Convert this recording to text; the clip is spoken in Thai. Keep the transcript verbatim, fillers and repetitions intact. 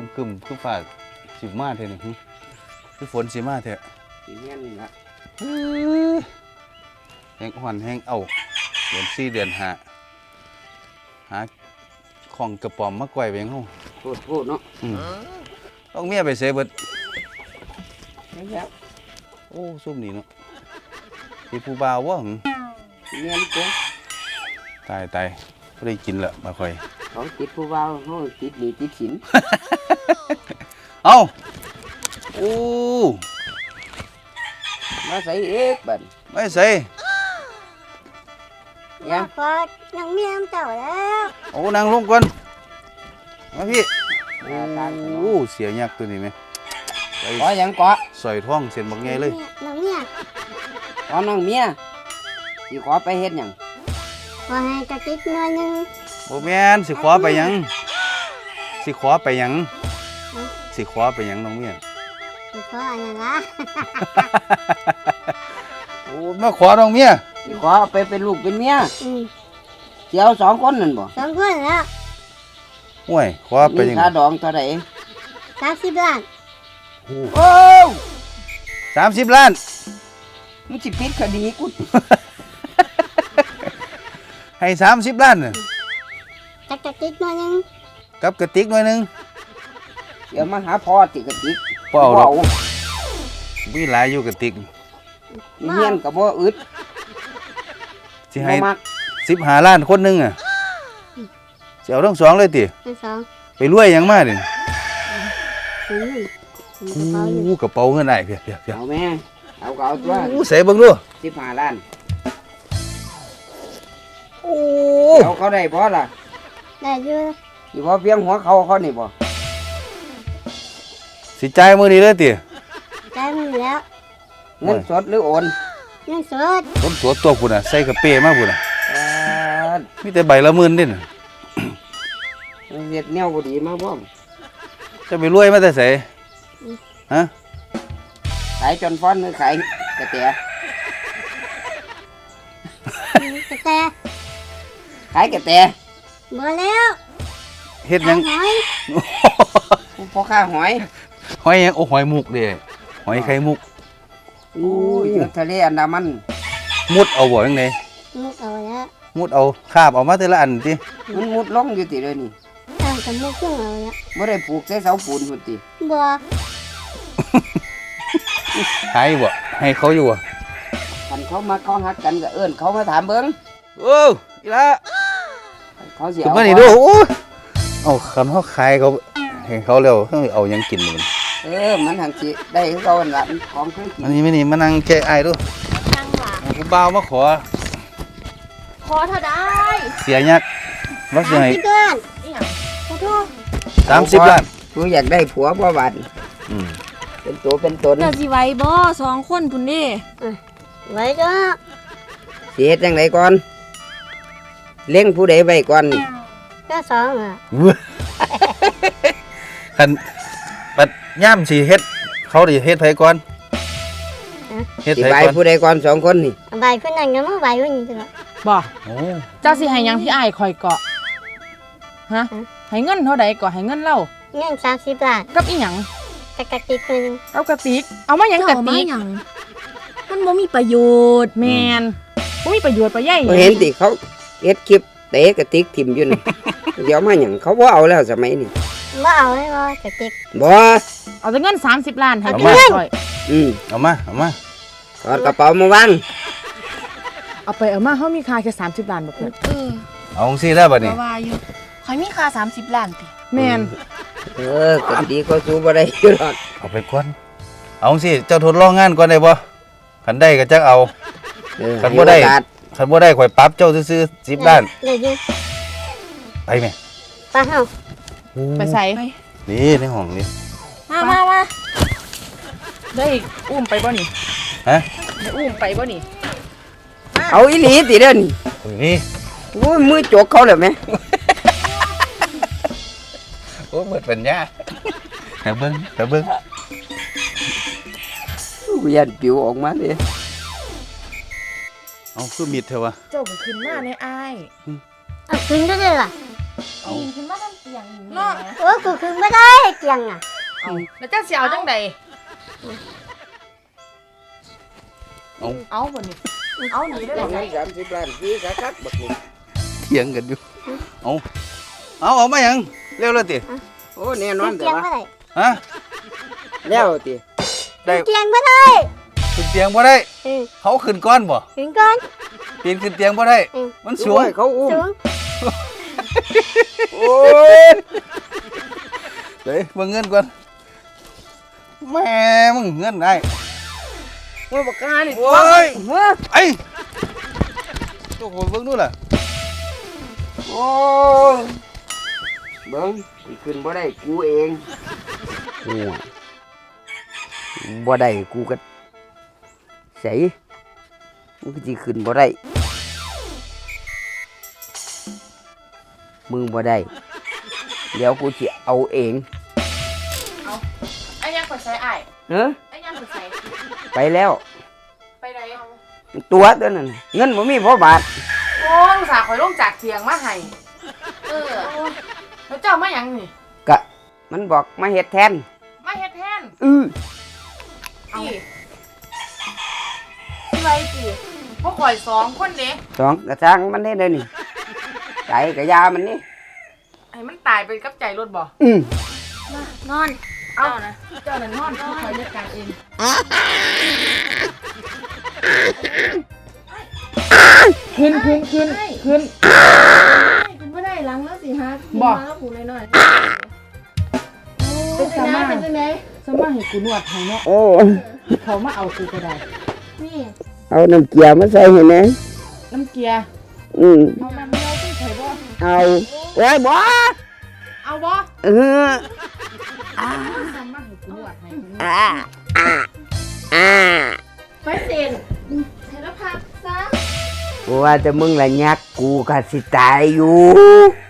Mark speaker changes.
Speaker 1: กึ่มคือฝาดสิมาเถอะนี่คือฝนสิมาเถอะ
Speaker 2: สีเงี้ยนี่ละ
Speaker 1: แห้งอ่อนแห้งเอาเดือนสี่เดือนห้าหาของกระป๋อมมาก่อยไปยังห้อง
Speaker 2: โคตรโคตรเนาะ
Speaker 1: ต้องเมียไปเสยเบิด
Speaker 2: แล้ว
Speaker 1: โอ้ซุ่มนี่เนาะมีผู้บ่าววะหึ
Speaker 2: สีเงี้ยนี่เจ้
Speaker 1: ตายตายไม่ได้กินละมาค่อย
Speaker 2: เขาติดผู้บ่าวเขาติดหนี้ติดสิน
Speaker 1: เอาโอ้
Speaker 2: มาใส่เอกบัด
Speaker 1: ไม่ใส่
Speaker 2: ยัง
Speaker 3: พอน้องเมียมเจ้าแล้ว
Speaker 1: โอ้นางลงก่อนมาพี่
Speaker 2: มาทางถน
Speaker 1: โอ้
Speaker 2: น
Speaker 1: เสียยักษ์ตัวนี้ไหมไป
Speaker 2: ขอยังเกาะ
Speaker 1: สอยท้องเส้นบักใหญ่เลย
Speaker 3: น้องเมีย
Speaker 2: ขอน้องเมียสิขอไปเฮ็ดหยัง
Speaker 3: ขอให้กระติกหน่อยหนึง
Speaker 1: โอ้แม่นสิขอไปหยังสิขอไปหยังสิขอไปหยังน้องเมีย
Speaker 3: ขออะไรล่ะ
Speaker 1: โอ้มาขอน้องเมีย
Speaker 2: สิขอเอาไปเป็นลูกเป็นเมีย
Speaker 3: อืม
Speaker 2: เสียวสองคนนั่นบ่
Speaker 3: สองคนแล้ว
Speaker 1: ห่วยขอไป
Speaker 2: มี
Speaker 1: หยัง
Speaker 2: ค่าดองเท่าไหร่
Speaker 3: สามสิบล้าน
Speaker 2: โอ้
Speaker 1: สามสิบล้าน
Speaker 2: มึงสิปิดคดีกู
Speaker 1: ให้สามสิบล้านน่ะ
Speaker 3: จักกระติกหน่อยหนึง
Speaker 1: กับกระติกหน่อยหนึง
Speaker 2: เดี๋ยวมาหาพ่อติกระติก
Speaker 1: เปล่าดอกมีหลายอยู่กระติก
Speaker 2: เฮียนกับบ่อึด
Speaker 1: สิ
Speaker 2: บ่
Speaker 1: ให้
Speaker 2: มัก
Speaker 1: สิบห้าล้านคนหนึงอ่ะสิเอาทั้งสองเลยติ
Speaker 3: เป็นสอง
Speaker 1: ไปรวยหยังมาดิ
Speaker 3: อืมอืมกระเป๋าอยู่
Speaker 1: โอ้กระเป๋าเงินได้เพียบเพียบเพียบ
Speaker 2: เอาแม่เอาก็เอาตัว
Speaker 1: โอ้ใส่เบิ่งดู
Speaker 2: สิบห้าล้าน
Speaker 1: โอ้
Speaker 2: เอาเขาได้บ่ล่ะ
Speaker 3: ได้อยู่
Speaker 2: สิบ่เพียงหัวเขาเขานี่บ่
Speaker 1: สิจ่ายมื้อนี้เลยติ
Speaker 3: ได้มือแล้ว
Speaker 2: เงินสดหรือโอน
Speaker 3: เงินสด
Speaker 1: คนตัวตัวพุ่นน่ะใส่กระเป้มาพุ่นน่ะ
Speaker 2: เอ่อ
Speaker 1: มีแต่ใบละหมื่นเด้น่ะ
Speaker 2: เฮ็ดแนวบ่ดีมาบ่
Speaker 1: จะไปรวยมาแต่ไสฮะ
Speaker 2: ขายจนฟ้อนหรือขายกระแต
Speaker 3: กระแต
Speaker 2: ขายกระแต
Speaker 3: บ่แล้ว
Speaker 1: เฮ็ดหยัง
Speaker 3: หอย
Speaker 2: พ่อค้าหอย
Speaker 1: หอยหยังโอ้หอยมุกเด้หอยไข่มุก
Speaker 2: อู้ยอยู่ทะเลอันดามัน
Speaker 1: มุดเอาบ่จังได
Speaker 3: มุกเอาแล้ว
Speaker 1: มุดเอาคาบเอามาแต่ละอันติ
Speaker 2: มันมุดลงอยู่ติเลยนี่
Speaker 3: เอากับมุกเครื่องเอาแล้ว
Speaker 2: บ่ได้ปลูกใส่เสาปูนพุ่นติ
Speaker 3: บ่
Speaker 1: ขายบ่ให้เขาอยู่บ่
Speaker 2: คันเขามาเขาฮักกันก็เอิ้นเขามาถามเบิ่ง
Speaker 1: โอ้อีละ
Speaker 2: เขาสิ
Speaker 1: ขึ้น
Speaker 2: เอา
Speaker 1: มานี่ดูโอ้เอาคันเฮาขายเขาให้เขาแล้วเฮาเอาหยังกินมัน
Speaker 2: เออมันหังสิได้คือเขาหั่นล่ะมันของเคยกิน
Speaker 1: อันนี้ไม่นี่มานั่งแก้ไอ้ายดู
Speaker 3: จังหวะ
Speaker 1: ผู้บ่าวมาขอ
Speaker 3: ขอเท่าได้
Speaker 1: เสียยักษ์ว่าสิ
Speaker 3: สาม
Speaker 1: ให้
Speaker 3: สิบล้านขอโทษ
Speaker 1: สามสิบล้าน
Speaker 2: กูอยากได้ผัวบ่บาด
Speaker 1: อืม
Speaker 2: เป็นตัวเป็นตน
Speaker 4: เจ้าสิไหว้บ่สองคนพุ่นเดิ
Speaker 3: ไว้ก็
Speaker 2: สิเฮ็ดจังไดก่อนเลี้ยงผู้ใดไว้ก่อนนี่
Speaker 3: ก็สองอ่ะ
Speaker 1: คันบัดย่ำสิเฮ็ดเขาดิเฮ็ดไผก่อนเฮ็ด
Speaker 2: สิ
Speaker 1: ไผ
Speaker 2: ไว้
Speaker 1: ก่อน
Speaker 2: ผู้ใดก่อนสองคนนี่
Speaker 3: ใบคนนั้นก็มาใบคนนี้ตลอด
Speaker 4: บ่
Speaker 1: โอ้
Speaker 4: เจ้าสิให้หยังพี่อ้ายคอยเกาะฮะให้เงินเท่าใดก็ให้เงินเล่า
Speaker 3: เงินสามสิบล้าน
Speaker 4: กับอีหยัง
Speaker 3: กระกระติกหน่อยหนึง
Speaker 4: เอากระติกเอามาหยังกระติก
Speaker 5: มันบ่มีประโยชน์
Speaker 4: แมนบ่มีประโยชน์ประใหญ่
Speaker 2: บ่เห็นติเขาเฮ็ดคลิปเตะกระติกทิ่มอยู่นี่ เดี๋ยวมาหยังเขาบ่เอาแล้วสมัยนี้
Speaker 3: บ่เอาเลยบ่กระติก
Speaker 2: บ่
Speaker 4: เอาแต่เงินสามสิบล้านให้
Speaker 1: เอา
Speaker 4: พี่
Speaker 1: มา
Speaker 4: อ้อย
Speaker 2: อืม
Speaker 1: เอามาเอามา
Speaker 2: ถอดกระเป๋ามาวาง
Speaker 4: เอาไปเอามาเฮามีค่าแค่สามสิบล้านบ่เพิ่น
Speaker 5: เออ
Speaker 1: เอาจังซี่แล้วบัดนี้
Speaker 5: ก็ว่าอยู่ข่อยมีค่าสามสิบล้านติ
Speaker 4: แม่น
Speaker 2: เออก็ดีก็สู้บ่ได้อยู่หรอก
Speaker 1: เอาไปก่อนเอาจังซี่เจ้าทดลองงานก่อนได้บ่คันได้ก็จักเอา
Speaker 2: เออ
Speaker 1: คันบ่ได้
Speaker 2: ให้โอกาส
Speaker 1: คันบ่ได้ข่อยปรับเจ้าซื่อๆสิบล้าน
Speaker 3: เลยอยู่
Speaker 1: ไปแม่
Speaker 3: ปลาเฮา
Speaker 4: ไปใส่
Speaker 1: นี่ในห้องนี่
Speaker 5: มามามา
Speaker 4: ได้อุ้มไปบ่นี่
Speaker 1: ฮะ
Speaker 4: ได้อุ้มไปบ่นี่
Speaker 2: เอาอีหลีติเด้อนี่
Speaker 1: โอ้ยนี่
Speaker 2: โอ้ยมือจกเขาแล้วแม่
Speaker 1: โอ้หมดปัญญาแต่เบิ่งแต่เบิ่ง
Speaker 2: กูยันปิวออกมาเลย
Speaker 1: เอาคือมิดเถอะวะ
Speaker 4: เจ้าก็ขึ้นมาในอ้าย
Speaker 3: เอาขึ้นได้เลยล่ะ
Speaker 1: เอา
Speaker 5: ปีนขึ้นมาทำเสียงอยู่
Speaker 4: เนาะ
Speaker 3: โอ้กูขึ้นไม่ได้เกียงอ่ะ
Speaker 4: เอาแล้วเจ้าสิเอาจังใด
Speaker 1: เอา
Speaker 4: เอาบ่นี่เอาหนีได้
Speaker 2: เอา
Speaker 4: บ่
Speaker 2: เงินสามสิบล้านซื้อคักๆบักนี่
Speaker 1: เถียงกันอยู่เอาเอาเอามาหยังเร็วเลยติ
Speaker 2: โอ้แน่นอนแต่
Speaker 3: เกียง
Speaker 2: ว่า
Speaker 3: บ่ได้
Speaker 1: ฮะ
Speaker 2: แล้วติ
Speaker 1: ได้
Speaker 3: เกียงบ่ได้
Speaker 1: ขึ้นเตียงบ่ได้
Speaker 3: เออ
Speaker 1: เขาขึ้นก้อนบ่
Speaker 3: ถึงก่อน
Speaker 1: ปีนขึ้นเตียงบ่ได้
Speaker 3: เออ
Speaker 1: มัน
Speaker 2: สู
Speaker 1: สู
Speaker 2: ง
Speaker 1: ง
Speaker 2: เขาอุ้ม
Speaker 3: สูง
Speaker 1: โอ้ยเดี๋ยวเบิ่งเงินก่อนแม่มึงเงินได้
Speaker 2: โอ้ยบักกานี่
Speaker 1: โอ้ยไอ้โอ้โหเบิ่งดูล่ะ
Speaker 2: โอ้ยเบิ่งสิขึ้นบ่ได้กูเองโอ้ยบ่ได้กูก็ใส่มันก็สิขึ้นบ่ได้มึงบ่ได้เดี๋ยวกูสิเอาเอง
Speaker 4: เอาไอ้ยังไปใส่อ้าย
Speaker 2: เฮ้อ
Speaker 4: ไอ้ยังไปใส่
Speaker 2: ไปแล้ว
Speaker 4: ไปไหนเอา
Speaker 2: ตัวเท่านั้นเงินบ่มีพอบาท
Speaker 4: โอ้อุตส่าห์ข่อยลงจากเถียงมาให้เออแล้วเจ้ามาหยังนี่
Speaker 2: กะมันบอกมาเฮ็ดแทน
Speaker 4: มาเฮ็ดแทน
Speaker 2: อือ
Speaker 4: เอาสิไรติพวกข่อยสองคนเด้
Speaker 2: สองกระชังมันได้เลยนี่ใจกะยามันนี่
Speaker 4: ให้มันตายไปกับใจรถบ่
Speaker 2: อืม
Speaker 3: นอน
Speaker 4: เอานะเจ้านั่นนอนผู้ข่อยจัดการเองขึ้นขึ้นขึ้นขึ้น
Speaker 5: คุณบ่ได้หลังแล้วสิฮะ
Speaker 4: บ่
Speaker 5: มาแล้วผูหน่อยๆ
Speaker 4: เป็นสามารถ
Speaker 5: เป็นจังได๋
Speaker 4: สมาให้กูนวดให้เนาะ
Speaker 2: โอ้
Speaker 4: เขามาเอากูก็ได้
Speaker 5: นี่
Speaker 2: เอาน้ำเกลือมาใส่ให้แหน่
Speaker 4: น้ำเกียร์
Speaker 2: อืม
Speaker 4: เอาน้ำเดียวที่ไผบ่
Speaker 2: เอาโอ้ยบ่
Speaker 4: เอาบ่
Speaker 2: เออ
Speaker 4: สมาให้กูนวดให้
Speaker 2: อ่าอ่าอ่า
Speaker 5: ไปเซ็นให้แล้วพักซะ
Speaker 2: ว่าแต่มึงละยักกูก็สิตายอยู่